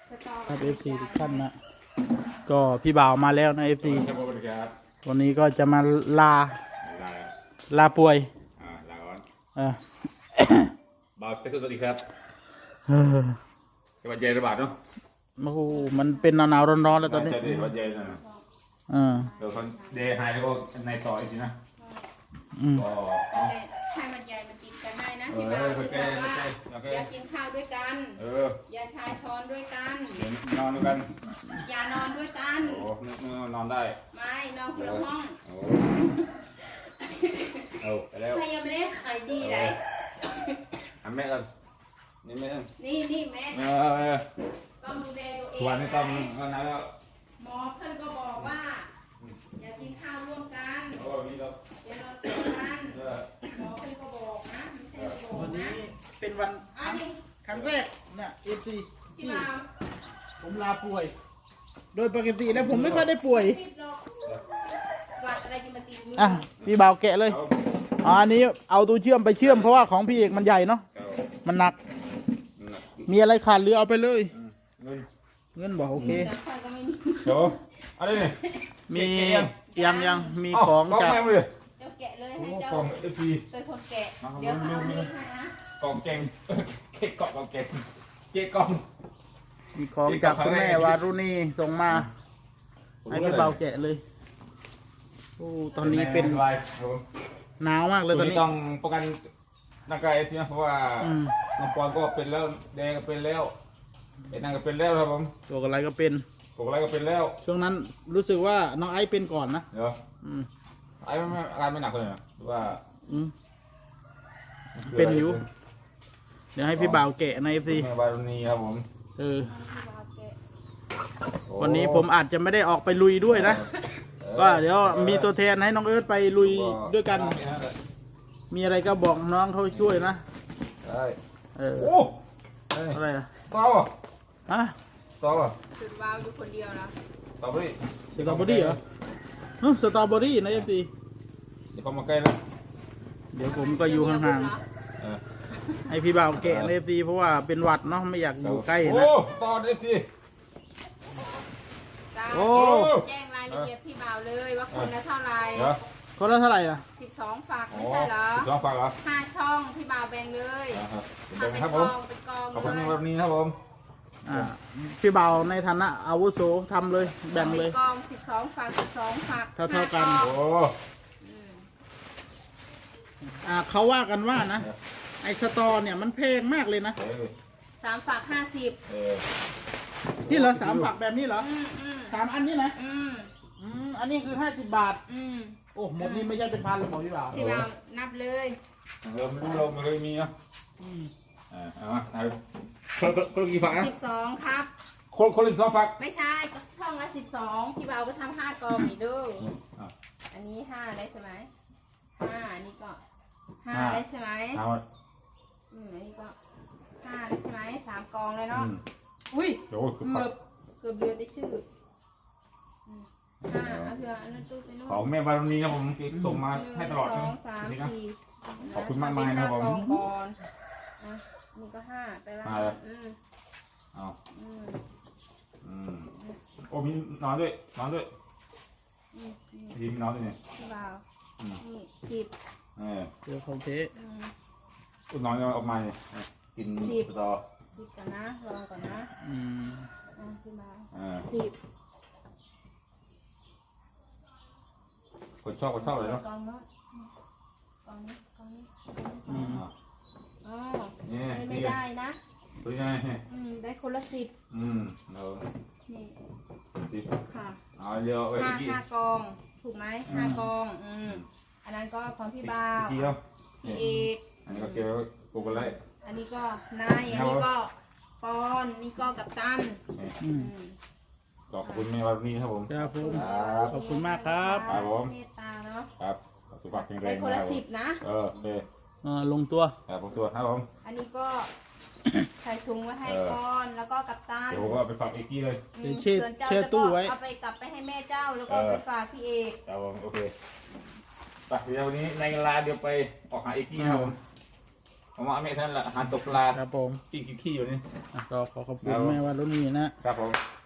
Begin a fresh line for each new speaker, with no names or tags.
ครับเอฟซีทุกท่านนะก็พี่บ่าวมาแล้วนะเอฟซีวันนี้ก็จะมาลาลาป่วย
ลาก่อน
เออ
บ่าวเป็นสวัสดีครับ
เออ
สวัสดีระบาดเนาะ
โอ้โหมันเป็นหนาวๆร้อนๆแล้วตอนนี้
ใช่ดิสวัสดีนะเดี๋ยวคนเดย์ไฮแล้วก็ในต่ออีกทีนะก็
ไข้หวัดใหญ่มันกินกันได้นะพี่บ่าวคือแบบว่าอย่ากินข้าวด้วยกันอย่าชายช้อนด้วยกัน
นอนด้วยกัน
อย่านอนด้วยกัน
โอ้นอนได้
ไม่นอนคนละห้อง
ไปแล้ว
ใครยังไม่ได้ขายดีเลย
ทำแม่กันนี่แม่
นี่แม่ต้องดูแลตัวเอง
วันนี้ต้องก็นานแล้ว
หมอเพื่อนก็บอกว่าอย่ากินข้าวร่วมกันอย่านอนร่วมกันหมอเพื่อนก็บอกนะไม่ใช่บอก
วันนี้
นะ
เป็นวันครั้งแรกนะเอฟซี
พี่บ่าว
ผมลาป่วย โดยปกติแล้วผมไม่ค่อยได้ป่วย
วัดอะไรจะมาติดมือ
อ่ะพี่บ่าวแกะเลยอันนี้เอาตัวเชื่อมไปเชื่อมเพราะว่าของพี่เอกมันใหญ่เนาะมันหนักมีอะไรขาดหรือเอาไปเลยเงินบอกโอเค
เดี๋ยวอะไรเนี่ย
มียังมีของจาก
เดี๋ยวแกะเลยให้เจ้าเป็นคนแกะเดี๋ยวเอาให้นะ
กองแกงเค้กกล่องแกงเค้กกล่อง
มีของจากคุณแม่วารุณีส่งมาให้พี่เบาแกะเลยโอ้ตอนนี้เป็นหนาวมากเลยตอนนี้
ต้องป้องกันร่างกายทีนะเพราะว่าน้องปอนก็เป็นแล้วแดงก็เป็นแล้วไอ้นั่นก็เป็นแล้วครับผม
ตัวอะไรก็เป็น
แล้ว
ช่วงนั้นรู้สึกว่าน้องไอซ์เป็นก่อนนะ
เดี๋ยวไอ้ไม่อาการไม่หนักเลยนะว่า
เป็นอยู่เดี๋ยวให้พี่บ่าวแกะในซี
บารุณีครับผม
วันนี้ผมอาจจะไม่ได้ออกไปลุยด้วยนะก็เดี๋ยวมีตัวแทนให้น้องเอิร์ธไปลุยด้วยกันมีอะไรก็บอกน้องเขาช่วยนะ
โอ้
อะไรอะ
ต่อ
ฮะ
ต่อ
สุดว้าวอยู่คนเดียวนะ
สตรอเบอรี่
เหรอสตรอเบอรี่นะเอฟซี
เดี๋ยวเขามาใกล้แล้ว
เดี๋ยวผมก็อยู่ห่างๆให้พี่บ่าวแกะในเอฟซีเพราะว่าเป็นหวัดเนาะไม่อยากอยู่ใกล้นะ
โอ้ต่อเอฟซี
โอ้แจ้งรายละเอียดพี่บ่าวเลยว่าคนละเท่าไร
คนละเท่าไหร่ล่ะ
12 ฝักไม่ใช่เหรอ
12 ฝักเหรอ
5 ช่องพี่บ่าวแบ่งเลย
เป็นกองขอบคุณแบบนี้ครับผม
พี่บ่าวในฐานะอาวุโสทำเลยแบ่งเลย
กอง12 ฝัก12 ฝัก
เท่ากัน
โอ้
เขาว่ากันว่านะไอสตอเนี่ยมันแพงมากเลยนะ
3 ฝัก 50
นี่เหรอ3 ฝักแบบนี้เหรอ3 อันนี้นะอันนี้คือ50 บาทโอ้หมดนี่ไม่ใช่เป็นพันหรอกพี่บ่าว
นับเลย
ไม่รู้เราไม่เคยมีนะคนกี่ฝักนะ
12ครับ
คนละ2 ฝัก
ไม่ใช่ช่องละ12พี่บ่าวก็ทำ5 กองนี่ดูอันนี้5ได้ใช่ไหม5อันนี้ก็5ได้ใช่ไหมอันนี้ก็5ได้ใช่ไหม3 กองเลยเนาะอุ้ยเกือบเดือนได้ชื่อเอาเถอะอันนั้นตู้ไปนู่น
ของแม่บารมีครับผมส่งมาให้ตลอด
1 2 3 4
ขอบคุณมากมายนะครับผม
นี่ก็5ไปแล้ว
โอ้มีนอนด้วยทีมนอนด้วยเนี่ย
บ่าวนี่10
เดี๋ยวเขาเท
นอนจะออกมากินต่อ
10กันนะลองก่อนนะพี่บ่าว10
คนชอบเลยเนาะ
กองนี้ไม่ได้นะ
ตัวยังไง
ได้คนละ10
นี่10
ค่ะ
เดี๋ยว
5 กองถูกไหม5 กองอันนั้นก็ของพี่บ่าวพี่เอก
อันนี้ก็เกี่ยวกับกูกันเลย
อันนี้ก็นายอันนี้ก็ปอนนี่ก็กับตัน
ขอบคุณแม่วันนี้ครับผม
ครับผมขอบคุณมากครับ
ผม
เมตตาเนาะ
ครับสุขภาพแข็งแรง
ได้คนละ10นะ
โอเค
ลงตัว
ลงตัวครับผม
อันนี้ก็ใส่ถุงไว้ให้ปอนแล้วก็กับตัน
เดี๋ยวผมก็ไปฝากเอกกี้เลย
เช็ดตู้ไว้
เอาไปกลับไปให้แม่เจ้าแล้วก็ไปฝากพี่เอก
ครับผมโอเคไปเดี๋ยววันนี้ในเวลาเดี๋ยวไปออกหาเอกกี้ครับผมผมว่าเมท่านละหาตกปลา
ครับผม
กินขี้อยู่นี่
ก็ขอขอบคุณแม่ว่ารุ่นนี้นะครับ
ผม